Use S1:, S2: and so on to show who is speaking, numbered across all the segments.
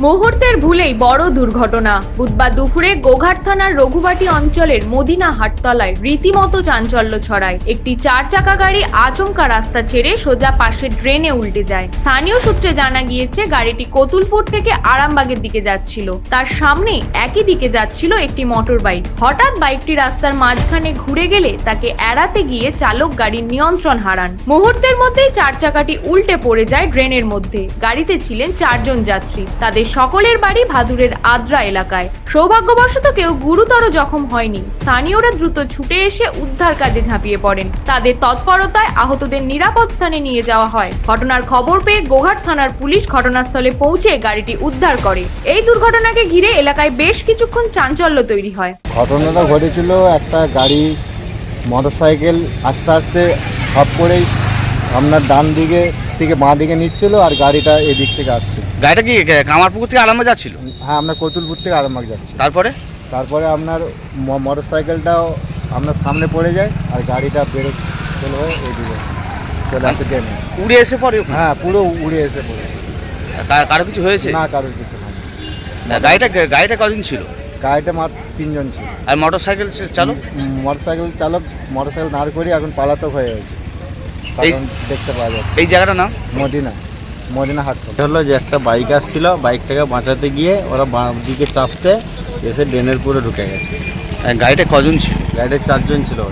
S1: মুহূর্তের ভুলেই বড় দুর্ঘটনা। বুধবার দুপুরে গোঘাট থানার রঘুবাটি অঞ্চলের মদিনা হাটতলায় রীতিমতো চাঞ্চল্য ছড়ায়। একটি 4 চাকা গাড়ি আচমকা রাস্তা ছেড়ে সোজা পাশের ড্রেনে উল্টে যায়। স্থানীয় সূত্রে জানা গিয়েছে গাড়িটি কতুলপুর থেকে আরামবাগের দিকে যাচ্ছিল। তার সামনে একই দিকে যাচ্ছিল একটি মোটর বাইক। হঠাৎ বাইকটি রাস্তার মাঝখানে ঘুরে গেলে তাকে এড়াতে গিয়ে চালক গাড়ির নিয়ন্ত্রণ হারান। মুহূর্তের মধ্যেই 4 চাকাটি উল্টে পড়ে যায় ড্রেনের মধ্যে। গাড়িতে ছিলেন 4 জন যাত্রী। তাদের সকলের বাড়ি ভাদুরের আদ্রা এলাকায়। সৌভাগ্যবশত কেউ গুরুতর জখম হয়নি। স্থানীয়রা দ্রুত ছুটে এসে উদ্ধার কাজে ঝাঁপিয়ে পড়েন। তাদের তৎপরতায় আহতদের নিরাপদ স্থানে নিয়ে যাওয়া হয়। ঘটনার খবর পেয়ে গোঘাট থানার পুলিশ ঘটনাস্থলে পৌঁছে গাড়িটি উদ্ধার করে। এই দুর্ঘটনাকে ঘিরে এলাকায় বেশ কিছুক্ষণ চাঞ্চল্য তৈরি হয়।
S2: ঘটনাটা ঘটেছিল, একটা গাড়ি মোটরসাইকেল আস্তে আস্তে সব করেই আপনার ডান দিকে থেকে বাঁ দিকে নিচ্ছিল, আর গাড়িটা এদিক থেকে আসছে।
S3: গাড়িটা কি কামারপুকুর থেকে আরামবাগ যাচ্ছিল?
S2: হ্যাঁ, আপনার কতুলপুর থেকে আরামবাগ যাচ্ছে।
S3: তারপরে
S2: আপনার মোটরসাইকেলটাও আপনার সামনে পড়ে যায়, আর গাড়িটা বেরো চলে হয়ে এইদিকে চলে আসে ট্রেনে।
S3: উড়ে এসে পড়ে?
S2: হ্যাঁ, পুরো উড়ে এসে পড়েছে।
S3: কারো কিছু হয়েছে?
S2: না, কারোর কিছু হয়নি।
S3: গাড়িটা কজন ছিল?
S2: গাড়িটা মাত্র 3 জন ছিল।
S3: আর মোটরসাইকেল চালক?
S2: মোটরসাইকেল দাঁড় করিয়ে এখন পালাতক হয়ে গেছে, কারণ দেখতে পাওয়া যাচ্ছে।
S3: এই জায়গাটার নাম
S2: মদিনা হাটতলা।
S4: হলো যে একটা বাইক আসছিল, বাইকটাকে বাঁচাতে গিয়ে ওরা বাঁ দিকে চাপতে এসে ড্রেনের পুরো ঢুকে গেছে।
S3: গাড়িটা কজন ছিল?
S4: গাড়িতে 4 জন ছিল।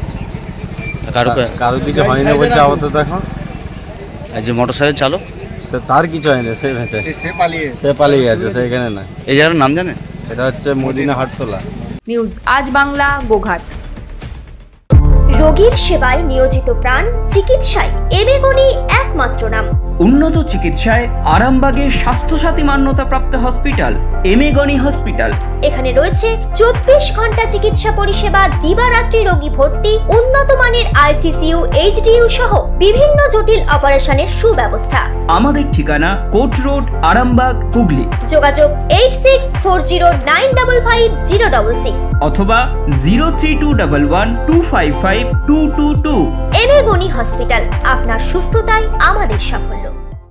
S4: কারোর দিকে হয়নি বলছে আপাতত এখন।
S3: আর যে মোটরসাইকেল চালক,
S4: সে তার কিছু হয়নি, সে ভেঁচে সে পালিয়ে গেছে, সে এখানে না।
S3: এই জায়গার নাম জানেন?
S4: এটা হচ্ছে মদিনা হাটতলা।
S1: নিউজ আজ বাংলা, গোঘাট।
S5: রোগীর সেবায় নিয়োজিত প্রাণ, চিকিৎসায় এবেগুনি একমাত্র নাম।
S6: উন্নত চিকিৎসায় আরামবাগে স্বাস্থ্যসাথী মান্যতাপ্রাপ্ত হসপিটাল এমেগনি হসপিটাল।
S5: এখানে রয়েছে 24 ঘন্টা চিকিৎসা পরিষেবা, দিবারাত্রি রোগী ভর্তি, উন্নত মানের ICCU, HDU সহ বিভিন্ন জটিল অপারেশনের সুব্যবস্থা।
S6: আমাদের ঠিকানা কোট রোড, আরামবাগ, হুগলি।
S5: যোগাযোগ 8640955066
S6: অথবা 03211255222।
S5: এবেগুনি হসপিটাল, আপনার সুস্থতাই আমাদের সাফল্য।